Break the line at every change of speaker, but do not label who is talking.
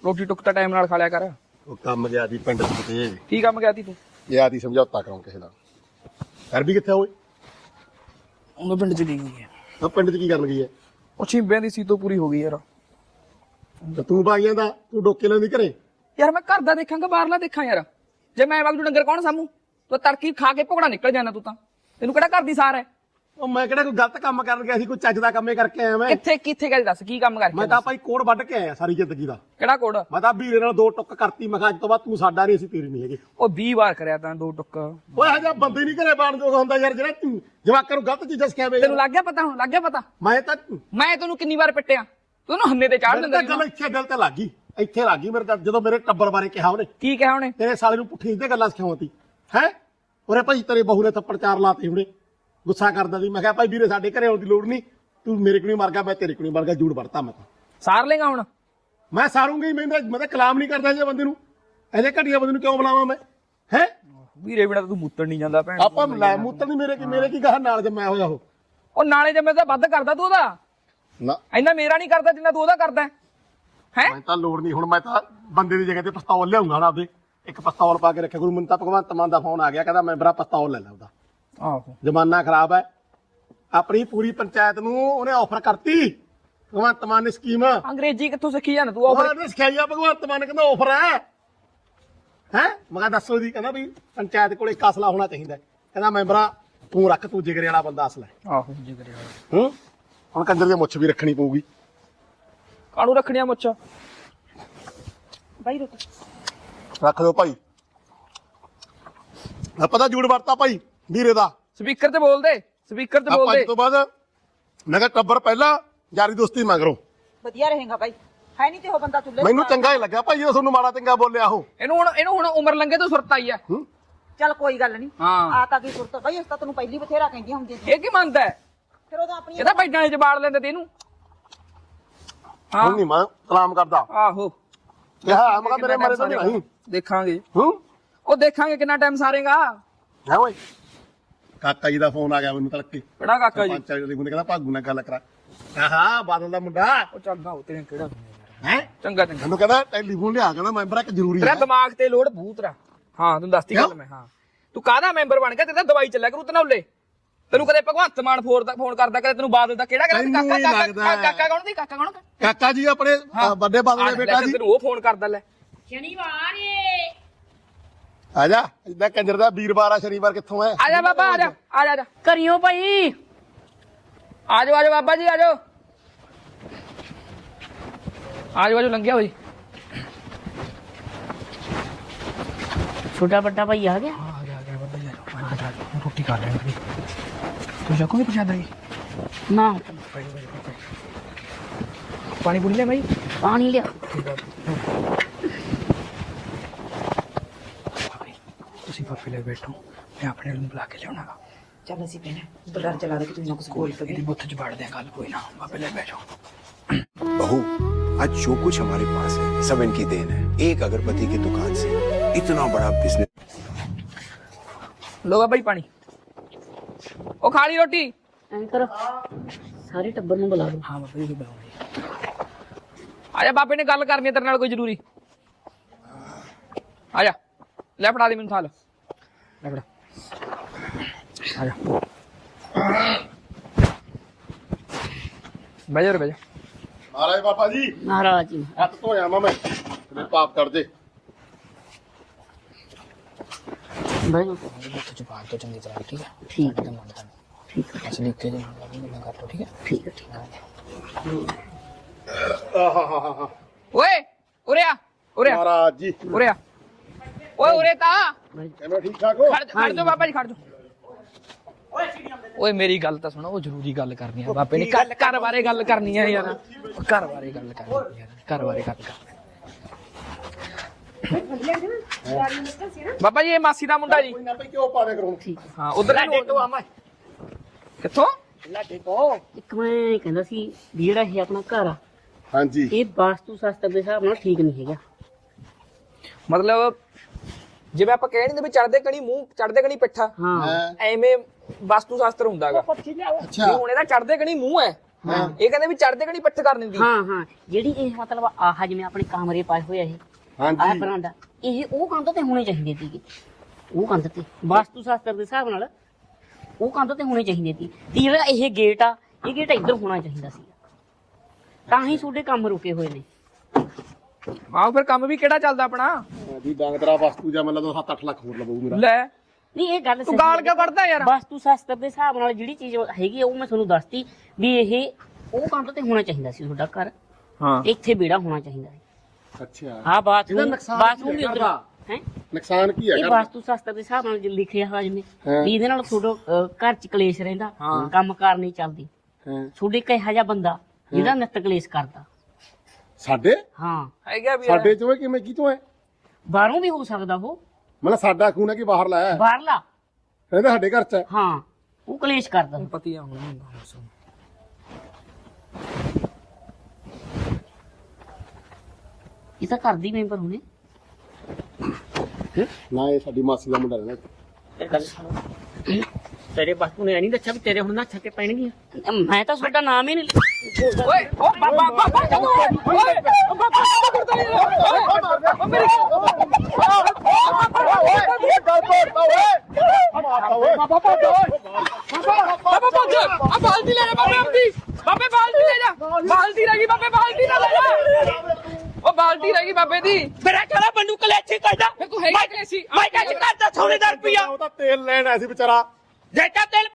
ਰੋਟੀ ਟੁੱਕ ਤਾਂ ਟਾਈਮ ਨਾਲ ਖਾ ਲਿਆ ਕਰ।
ਉਹ ਕੰਮ ਗਿਆ ਸੀ ਪਿੰਡ 'ਚ ਕਿਤੇ।
ਕੀ ਕੰਮ ਗਿਆ ਸੀ ਤੂੰ?
ਗਿਆ ਸੀ ਸਮਝੌਤਾ ਕਰਾਉਂ ਕਿਸੇ ਦਾ। ਕਰ ਵੀ ਕਿੱਥੇ ਓਏ?
ਉਹਨੂੰ ਪਿੰਡ ਚ ਗਈ ਹੋਈ ਹੈ।
ਆ ਪਿੰਡ 'ਚ ਕੀ ਕਰਨ ਗਈ ਹੈ?
ਉਹ ਛਿੰਬਿਆਂ ਦੀ ਸੀਤੋ ਪੂਰੀ ਹੋ ਗਈ ਯਾਰ।
ਤੇ ਤੂੰ ਬਾਗੀਆਂ ਦਾ ਤੂੰ ਡੋਕੇ ਲੈਂਦੀ ਘਰੇ।
ਯਾਰ ਮੈਂ ਘਰ ਦਾ ਦੇਖਾਂਗਾ ਬਾਹਰਲਾ ਦੇਖਾਂ ਯਾਰ। ਜੇ ਮੈਂ ਵਗ ਜੂ ਡੰਗਰ ਕੌਣ ਸਾਮੂ? ਤੂੰ ਤੜਕੀ ਖਾ ਕੇ ਭੁਗੜਾ ਨਿਕਲ ਜਾਣਾ ਤੂੰ ਤਾਂ। ਤੈਨੂੰ ਕਿਹੜਾ ਘਰ ਦੀ ਸਾਰ ਹੈ?
ਉਹ ਮੈਂ ਕਿਹੜਾ ਕੋਈ ਗਲਤ ਕੰਮ ਕਰਨ ਗਿਆ ਸੀ, ਕੋਈ ਚੱਜ ਦਾ ਕੰਮੇ ਕਰਕੇ ਆਇਆ ਮੈਂ।
ਕਿੱਥੇ ਗੱਲ ਦੱਸ ਕੀ ਕੰਮ ਕਰਕੇ?
ਮੈਂ ਤਾਂ ਭਾਈ ਕੋੜ ਵੱਢ ਕੇ ਆਇਆ ਸਾਰੀ ਜ਼ਿੰਦਗੀ ਦਾ।
ਕਿਹੜਾ ਕੋੜ?
ਮੈਂ ਤਾਂ ਵੀਰੇ ਨਾਲ 2 ਟੁੱਕ ਕਰਤੀ। ਮੈਂ ਕਿਹਾ ਅੱਜ ਤੋਂ ਬਾਅਦ ਤੂੰ ਸਾਡਾ ਨਹੀਂ, ਅਸੀਂ ਤੇਰੀ ਨਹੀਂ ਹੈਗੇ।
ਉਹ 20 ਵਾਰ ਕਰਿਆ ਤਾਂ 2 ਟੁੱਕ।
ਓਏ ਹਜਾ ਬੰਦੇ ਨਹੀਂ ਘਰੇ ਬਾਣ ਜੋਗਾ ਹੁੰਦਾ ਯਾਰ, ਜਿਹੜਾ ਤੂੰ ਜਵਾਕਾਂ ਨੂੰ ਗਲਤ ਚੀਜ਼ਾਂ ਸਿਖਾਵੇ।
ਤੈਨੂੰ ਲੱਗ ਗਿਆ ਪਤਾ? ਹੁਣ ਲੱਗ ਗਿਆ ਪਤਾ?
ਮੈਂ
ਤੈਨੂੰ ਕਿੰਨੀ ਵਾਰ ਪਿੱਟਿਆ? ਤੂੰ ਉਹਨੂੰ ਹੰਨੇ ਤੇ ਚਾੜ ਦਿੰਦਾ।
ਗੱਲ ਇੱਥੇ ਦਿਲ ਤੇ ਲੱਗ ਗਈ, ਇੱਥੇ ਲੱਗ ਗਈ ਮੇਰੇ ਤਾਂ। ਜਦੋਂ ਮੇਰੇ ਟੱਬਰ ਬਾਰੇ ਕਿਹਾ ਉਹਨੇ।
ਕੀ ਕਿਹਾ ਉਹਨੇ?
ਤੇਰੇ ਸਾਲੇ ਨੂੰ ਪੁੱਠੀ ਸਿੱਧੇ ਗੱਲਾਂ ਸਿਖਾਉਂਦੀ ਹੈ। ਉਹਨੇ ਭਾਈ ਤੇਰੇ ਬਹੂ ਨੇ ਥੱਪੜ 4 ਲਾਤੇ ਹੁਣੇ। ਗੁੱਸਾ ਕਰਦਾ ਸੀ। ਮੈਂ ਕਿਹਾ ਭਾਈ ਵੀਰੇ ਸਾਡੇ ਘਰੇ ਆਉਣ ਦੀ ਲੋੜ ਨਹੀਂ, ਤੂੰ ਮੇਰੇ ਕੋਲ ਨਹੀਂ ਮਰ ਗਿਆ, ਮੈਂ ਤੇਰੇ ਕੋਲ ਨਹੀਂ ਮਰ ਗਿਆ। ਜੂੜ ਵਰਤਾ ਮੈਂ ਤਾਂ।
ਸਾਰ ਲੇਗਾ ਹੁਣ?
ਮੈਂ ਸਾਰੂੰਗਾ ਹੀ। ਮੈਂ ਤਾਂ ਕਲਾਮ ਨਹੀਂ ਕਰਦਾ ਜੇ ਬੰਦੇ ਨੂੰ। ਇਹਦੇ ਘਟੀਆ ਬੰਦੇ ਨੂੰ ਕਿਉਂ ਬੁਲਾਵਾਂ ਮੈਂ? ਹੈ
ਵੀਰੇ ਬਿਨਾ ਤੂੰ ਮੂਤਰ ਨਹੀਂ ਜਾਂਦਾ ਭੈਣ।
ਆਪਾਂ ਲੈ ਮੂਤਰ ਨਹੀਂ ਮੇਰੇ ਕੀ ਗਾਹ ਨਾਲ ਜੰਮਿਆ ਹੋਇਆ
ਉਹ ਨਾਲੇ ਜੰਮੇ ਤਾਂ ਵੱਧ ਕਰਦਾ ਤੂੰ ਉਹਦਾ।
ਨਾ
ਇੰਨਾ ਮੇਰਾ ਨਹੀਂ ਕਰਦਾ ਜਿੰਨਾ ਤੂੰ ਉਹਦਾ ਕਰਦਾ ਹੈ।
ਮੈਂ ਤਾਂ ਲੋੜ ਨਹੀਂ। ਹੁਣ ਮੈਂ ਤਾਂ ਬੰਦੇ ਦੀ ਜਗ੍ਹਾ ਤੇ ਪਿਸਤੌਲ ਲਿਆਉਂਗਾ ਨਾ ਆਪਦੇ। ਇੱਕ ਪਿਸਤੌਲ ਪਾ ਕੇ ਰੱਖਿਆ ਗੁਰੂ। ਮੈਨੂੰ ਤਾਂ ਭਗਵੰਤ ਮਾਨ ਦਾ ਫੋਨ ਆ ਗਿਆ, ਕਹਿੰਦਾ ਮੈਂਬਰਾ ਪਿਸਤੌਲ ਲੈ ਲੈ ਉਹਦਾ।
ਆਹੋ
ਜ਼ਮਾਨਾ ਖਰਾਬ ਹੈ। ਆਪਣੀ ਪੂਰੀ ਪੰਚਾਇਤ ਨੂੰ ਉਹਨੇ ਆਫਰ ਕਰਤੀ ਭਗਵੰਤ ਮਾਨ ਨੇ ਸਕੀਮ।
ਅੰਗਰੇਜ਼ੀ ਕਿੱਥੋਂ ਸਿੱਖੀ ਜਾਂਦਾ ਤੂੰ? ਆਫਰ
ਉਹਨੇ ਸਿਖਾਈਆ ਭਗਵੰਤ ਮਾਨ, ਕਹਿੰਦਾ ਆਫਰ ਹੈ। ਮੈਂ ਕਿਹਾ ਦੱਸੋ ਜੀ। ਕਹਿੰਦਾ ਵੀ ਪੰਚਾਇਤ ਕੋਲ ਇੱਕ ਅਸਲਾ ਹੋਣਾ ਚਾਹੀਦਾ। ਕਹਿੰਦਾ ਮੈਂਬਰਾ ਤੂੰ ਰੱਖ, ਤੂੰ ਜਿਗਰੇ ਵਾਲਾ ਬੰਦਾ ਅਸਲਾ ਹੈ।
ਆਹੋ ਜਿਗਰੇ ਵਾਲਾ।
ਹੁਣ ਕੰਜਰ ਦੀ ਮੁੱਛ ਵੀ ਰੱਖਣੀ ਪਊਗੀ।
ਕਾਹਨੂੰ ਰੱਖਣੀਆਂ ਮੁੱਛ? ਬਾਈ ਰੋਟੀ
ਰੱਖ ਦਿਓ ਭਾਈ। ਪਤਾ ਜੂੜ ਵਰਤਾ ਭਾਈ ਵੀਰੇ ਦਾ।
ਸਪੀਕਰ ਤੇ ਬੋਲ ਦੇ, ਸਪੀਕਰ ਤੇ ਬੋਲ ਦੇ।
ਅੱਜ ਤੋਂ ਬਾਅਦ ਮੈਂ ਕਿਹਾ ਟੱਬਰ ਪਹਿਲਾਂ, ਯਾਰੀ ਦੋਸਤੀ ਮਗਰੋਂ।
ਵਧੀਆ ਰਹੇਗਾ ਬਾਈ। ਹੈ ਨਹੀਂ ਤੇ ਉਹ ਬੰਦਾ ਚੁੱਲ੍ਹੇ
ਮੈਨੂੰ ਚੰਗਾ ਹੀ ਲੱਗਿਆ ਭਾਈ ਜਦੋਂ ਤੁਹਾਨੂੰ ਮਾੜਾ ਚੰਗਾ ਬੋਲਿਆ ਉਹ।
ਇਹਨੂੰ ਹੁਣ ਉਮਰ ਲੰਘੇ ਤੋਂ ਸੁਰਤ ਆਈ ਹੈ।
ਚੱਲ ਕੋਈ ਗੱਲ ਨਹੀਂ।
ਹਾਂ
ਆ ਤਾਂ ਕੀ ਸੁਰਤ ਬਾਈ, ਇਸ ਤਾਂ ਤੈਨੂੰ ਪਹਿਲੀ ਬਥੇਰਾ ਕਹਿੰਦੀ ਹੁੰਦੀ ਸੀ।
ਇਹ ਕੀ ਮੰਨਦਾ ਹੈ?
ਫਿਰ ਉਹਦਾ ਆਪਣੀ
ਇਹਦਾ ਬੈਡਾਂ 'ਚ ਬਾੜ ਲੈਂਦੇ ਤੇ ਇਹਨੂੰ।
ਹੁਣ ਨਹੀਂ ਮੈਂ ਕਲਾਮ ਕਰਦਾ।
ਆਹੋ
ਕਿਹਾ ਮੈਂ ਕਿਹਾ ਮੇਰੇ ਮਰੇ ਤਾਂ ਨਹੀਂ।
ਦੇਖਾਂਗੇ ਉਹ ਦੇਖਾਂਗੇ ਕਿੰਨਾ ਟਾਈਮ ਸਾਰੇਗਾ।
ਹੈ ਓਏ ਕਾਕਾ ਜੀ ਦਾ ਫੋਨ ਆ ਗਿਆ ਮੈਨੂੰ ਤੜਕੇ।
ਕਿਹੜਾ ਕਾਕਾ ਜੀ?
ਪੰਚਾਇਤ ਦੇ ਮੁੰਡੇ ਕਹਿੰਦਾ ਭਾਗੂ ਨਾਲ ਗੱਲ ਕਰਾ। ਹਾਂ ਬਾਦਲ ਦਾ ਮੁੰਡਾ।
ਉਹ ਚੰਗਾ ਹੋ ਤੇਰੇ ਕਿਹੜਾ
ਹੈ
ਚੰਗਾ ਚੰਗਾ।
ਮੈਨੂੰ ਕਹਿੰਦਾ ਟੈਲੀਫੋਨ ਲਿਆ, ਕਹਿੰਦਾ ਮੈਂਬਰ ਇੱਕ ਜ਼ਰੂਰੀ
ਤੇਰਾ
ਹੈ।
ਦਿਮਾਗ ਤੇ ਲੋੜ ਭੂਤਰਾ। ਹਾਂ ਤੈਨੂੰ ਦੱਸਤੀ ਗੱਲ ਮੈਂ। ਹਾਂ ਤੂੰ ਕਾਹਦਾ ਮੈਂਬਰ ਬਣ ਗਿਆ? ਤੇਰਾ ਦਵਾਈ ਚੱਲਿਆ ਕਰੂ ਤਨੌਲੇ। ਤੈਨੂੰ ਕਦੇ ਭਗਵੰਤ ਮਾਨ ਫੋਨ ਕਰਦਾ, ਕਦੇ ਤੈਨੂੰ ਬਾਦਲ ਦਾ ਕਿਹੜਾ ਕਹਿੰਦਾ? ਕਾਕਾ ਕੌਣ ਦੀ? ਕਾਕਾ ਕੌਣ?
ਕਾਕਾ ਜੀ ਆਪਣੇ ਵੱਡੇ ਬਾਦਲ ਦੇ ਬੇਟਾ ਜੀ।
ਤੈਨੂੰ ਉਹ ਫੋਨ ਕਰਦਾ ਲੈ।
ਸ਼ਨੀਵਾਰ
ਆ ਜਾ। ਇਦਾਂ ਕੰਜਰ ਦਾ ਵੀਰਵਾਰ ਆ, ਸ਼ਨੀਵਾਰ ਕਿੱਥੋਂ ਹੈ?
ਆ ਜਾ ਬਾਬਾ ਆ ਜਾ ਆ ਜਾ
ਕਰਿਓ ਭਾਈ।
ਆ ਜਾਓ ਬਾਬਾ ਜੀ ਆ ਜਾਓ ਆ ਜਾਓ ਲੰਘਿਆ ਹੋ ਜੀ।
ਛੋਟਾ ਵੱਡਾ ਭਾਈ ਆ ਗਿਆ।
ਆ ਗਿਆ ਬਾਬਾ ਜੀ ਆ ਜਾਓ। ਰੋਟੀ ਖਾ ਲੈਣੀ ਤੂੰ ਜਾਕੋਗੇ ਪਛਾਦਾ ਜੀ
ਨਾ
ਪਾਣੀ ਪੂਣੀ ਲੈ ਭਾਈ।
ਪਾਣੀ ਲਿਆ।
ਤੁਸੀਂ ਬਾਪੇ ਲੈ ਬੈਠੋ, ਮੈਂ ਆਪਣੇ ਨੂੰ ਬੁਲਾ ਕੇ ਲਿਆਉਣਾਗਾ।
ਚੱਲ ਅਸੀਂ ਪੈਣਾ ਬਲਰ ਚਲਾ ਦੇ ਕਿ ਤੂੰ ਨਾ ਕੁਝ ਬੋਲ ਪਗੇ।
ਇਹਦੀ ਬੁੱਥ 'ਚ ਵੜ ਦਿਆਂ ਗੱਲ, ਕੋਈ ਨਾ ਬਾਪੇ ਲੈ ਬੈਠੋ।
बहू, आज जो कुछ हमारे पास है सब इनकी देन है। एक अगरबत्ती की दुकान से इतना बड़ा बिजनेस।
लो बाबा जी पानी। ओ खा ली रोटी?
ਐਂ ਕਰ ਸਾਰੇ ਟੱਬਰ ਨੂੰ ਬੁਲਾ ਲਓ।
हाँ बाबा जी बुलाओ। आजा बापे ने गल करनी है तेरे नाल कोई जरूरी। आजा ले फड़ा दे मैनू थाल। ले फड़ा आजा बैठ जा रे बैठ जा।
ਮਹਾਰਾਜ ਬਾਬਾ ਜੀ
ਮਹਾਰਾਜ ਜੀ
ਹੱਥ ਧੋਇਆ ਮੈਂ ਤੇ ਪਾਪ ਕਰ ਦੇ।
ਬਹਿ ਜਾਓ।
बुੱਥ 'ਚ ਪਾ ਕੇ ਚੰਗੀ ਤਰ੍ਹਾਂ ठीक है।
ਠੀਕ
ਤੇ ਮੰਨਦਾ
ਠੀਕ ਹੈ
असली के जे मैं कर लो ठीक है।
ਠੀਕ ਹੈ ਠੀਕ ਹੈ।
ਆਹਾਹਾਹਾ
ओए उरे आ उरे आ
ਮਹਾਰਾਜ ਜੀ
उरे आ ओए उरे ता
ਕਿਵੇਂ ਠੀਕ ਠਾਕ ਹੋ?
खड़ जा बाबा जी खड़ जा। ਓਏ ਮੇਰੀ ਗੱਲ ਤਾਂ ਸੁਣੋ, ਉਹ ਜ਼ਰੂਰੀ ਗੱਲ ਕਰਨੀ ਆ ਬਾਪੇ ਨੇ। ਘਰ ਬਾਰੇ ਗੱਲ ਕਰਨੀ ਆ ਯਾਰ। ਘਰ ਬਾਰੇ ਗੱਲ ਕਰਨੀ ਆ ਯਾਰ। ਘਰ ਬਾਰੇ ਗੱਲ ਕਰਨੀ। ਬਾਬਾ ਜੀ ਇਹ ਮਾਸੀ ਦਾ ਮੁੰਡਾ ਜੀ।
ਕੋਈ ਨਾ ਭਾਈ ਕਿਉਂ ਪਾਣੇ ਕਰੂੰ?
ਹਾਂ ਉਧਰ ਕਿੱਥੋਂ?
ਇੱਕ ਮੈਂ ਕਹਿੰਦਾ ਸੀ ਵੀ ਜਿਹੜਾ ਇਹ ਆਪਣਾ ਘਰ ਆ
ਹਾਂਜੀ
ਇਹ ਵਾਸਤੂ ਸ਼ਾਸਤਰ ਦੇ ਹਿਸਾਬ ਨਾਲ ਠੀਕ ਨਹੀਂ ਹੈਗਾ।
ਮਤਲਬ ਜਿਵੇਂ ਆਪਾਂ ਕਹਿ ਨਹੀਂ ਵੀ ਚੜਦੇ ਕਣੀ ਮੂੰਹ, ਚੜਦੇ ਕਣੀ ਪਿੱਠਾ,
ਹਾਂ
ਐਵੇਂ ਵਾਸਤੂ ਸ਼ਾਸਤਰ ਹੁੰਦਾਗਾ।
ਅੱਛਾ
ਹੁਣ ਇਹਦਾ ਚੜਦੇ ਕਣੀ ਮੂੰਹ ਹੈ ਇਹ ਕਹਿੰਦੇ ਵੀ ਚੜਦੇ ਕਣੀ ਪੱਠ ਕਰ ਦਿੰਦੀ।
ਹਾਂ ਜਿਹੜੀ ਇਹ ਮਤਲਬ ਆਹ ਜਿਵੇਂ ਆਪਣੇ ਕਮਰੇ ਪਾਏ ਹੋਏ ਆ ਇਹ ਆਹ
ਹਾਂਜੀ
ਬਰਾਂਡਾ ਇਹ ਉਹ ਕੰਧ ਤੇ ਹੋਣੇ ਚਾਹੀਦੇ ਸੀਗੇ। ਉਹ ਕੰਧ ਤੇ ਵਾਸਤੂ ਸ਼ਾਸਤਰ ਦੇ ਹਿਸਾਬ ਨਾਲ ਉਹ ਕੰਧ ਤੇ ਹੋਣੇ ਚਾਹੀਦੇ ਸੀ ਤੇ ਜਿਹੜਾ ਇਹ ਗੇਟ ਆ ਇਹ ਗੇਟ ਇੱਧਰ ਹੋਣਾ ਚਾਹੀਦਾ ਸੀ ਤਾਂ ਹੀ ਤੁਹਾਡੇ ਕੰਮ ਰੁਕੇ ਹੋਏ ਨੇ।
ਆਹ ਫਿਰ ਕੰਮ ਵੀ ਕਿਹੜਾ ਚੱਲਦਾ ਆਪਣਾ।
ਜੀ ਡਾਂਗਦਰਾ ਵਸਤੂ ਜਾਂ ਮਤਲਬ 7-8 ਲੱਖ ਹੋਰ ਲਵਾਉ ਮੇਰਾ।
ਲੈ
ਨਹੀਂ ਇਹ ਗੱਲ
ਤੂੰ ਗਾਲ ਕਿਉਂ ਕੱਢਦਾ ਯਾਰ।
ਵਾਸਤੂ ਸ਼ਾਸਤਰ ਦੇ ਹਿਸਾਬ ਨਾਲ ਜਿਹੜੀ ਚੀਜ਼ ਹੈਗੀ ਆ ਉਹ ਮੈਂ ਤੁਹਾਨੂੰ ਦੱਸਤੀ ਵੀ ਇਹ ਉਹ ਕੰਧ ਤੇ ਹੋਣਾ ਚਾਹੀਦਾ ਸੀ ਤੁਹਾਡਾ ਘਰ।
ਹਾਂ
ਇੱਥੇ ਵਿਹੜਾ ਹੋਣਾ ਚਾਹੀਦਾ ਸੀ।
ਅੱਛਾ
ਹਾਂ ਬਾਥਰੂਮ
ਇਹਦਾ ਨੁਕਸਾਨ
ਬਾਥਰੂਮ
ਕੀ
ਵੀ
ਹੈ
ਉੱਧਰ
ਘਰ
ਹੈ।
ਨੁਕਸਾਨ ਕੀ
ਇਹ
ਹੈਗਾ?
ਵਾਸਤੂ ਸ਼ਾਸਤਰ ਦੇ ਹਿਸਾਬ ਨਾਲ ਜੋ ਲਿਖਿਆ ਹੋਇਆ ਜਿਵੇਂ
ਹਾਂ।
ਵੀ ਇਹਦੇ ਨਾਲ ਤੁਹਾਡਾ ਘਰ ਚ ਕਲੇਸ਼ ਰਹਿੰਦਾ ਕੰਮ ਕਾਰ ਨਹੀਂ ਚੱਲਦੀ।
ਹਾਂ
ਤੁਹਾਡੇ ਕਿਹਾ ਜਿਹਾ ਬੰਦਾ ਜਿਹੜਾ ਨਿੱਤ ਕਲੇਸ਼ ਕਰਦਾ।
ਸਾਡੇ
ਹਾਂ
ਹੈਗਾ ਵੀ
ਸਾਡੇ ਚੋਂ ਕਿਵੇਂ ਕੀ ਤੋਂ ਹੈ?
ਬਾਹਰੋਂ ਵੀ ਹੋ ਸਕਦਾ ਉਹ
ਮਤਲਬ ਸਾਡਾ ਖੂਨ ਹੈ ਕਿ ਬਾਹਰ ਲਾਇਆ
ਬਾਹਰਲਾ
ਕਹਿੰਦੇ ਸਾਡੇ ਘਰ ਚ ਹੈ।
ਹਾਂ ਉਹ ਕਲੇਸ਼ ਕਰਦਾ।
ਪਤੀ ਆ ਹੁਣ ਹੁੰਦਾ ਬਸ।
ਇਹ ਤਾਂ ਘਰ ਦੀ ਮੈਂਬਰ ਹੋਣੇ।
ਨਾ ਇਹ ਸਾਡੀ ਮਾਸੀ ਦਾ ਮੁੰਡਾ ਰਹਿਣਾ
ਇਹ ਗੱਲ ਸੁਣੋ ਤੇਰੇ ਬਾਪੂ ਨੇ ਨਹੀਂ ਦੱਸਿਆ ਵੀ ਤੇਰੇ ਹੁਣ ਨਾ ਛੱਕੇ ਪੈਣਗੀਆਂ। ਮੈਂ ਤਾਂ ਤੁਹਾਡਾ ਨਾਮ ਹੀ ਨਹੀਂ
ਓਏ ਓ ਬਾਬਾ ਬਾਬਾ ਕਦੋਂ ਓਏ ਬਾਬਾ ਕਰਦਾ ਓਏ ਮੇਰੀ ਬਾਬਾ ਭੱਜ ਆ ਬਾਲਟੀ ਲੈ ਜਾ ਬਾਬੇ ਆਪਦੀ। ਬਾਬੇ ਬਾਲਟੀ ਲੈ ਜਾ। ਬਾਲਟੀ ਰਹਿ ਗਈ ਬਾਬੇ ਬਾਲਟੀ ਨਾ ਲੈ ਜਾ। ਉਹ ਬਾਲਟੀ ਰਹਿ ਗਈ ਬਾਬੇ ਦੀ।
ਮੇਰਾ ਕਹਿੰਦਾ ਬੰਦੂ ਕਲੇਚੀ ਕਰਦਾ
ਫਿਰ ਤੂੰ ਹੈਗਾ ਕਲੇਸੀ।
ਮੈਂ ਕਹਿੰਦਾ ਕਰਦਾ 100 ਰੁਪਿਆ
ਉਹ ਤਾਂ ਤੇਲ ਲੈਣ ਆਇਆ ਸੀ ਵਿਚਾਰਾ।
ਜੇਟਾ ਤੇਲ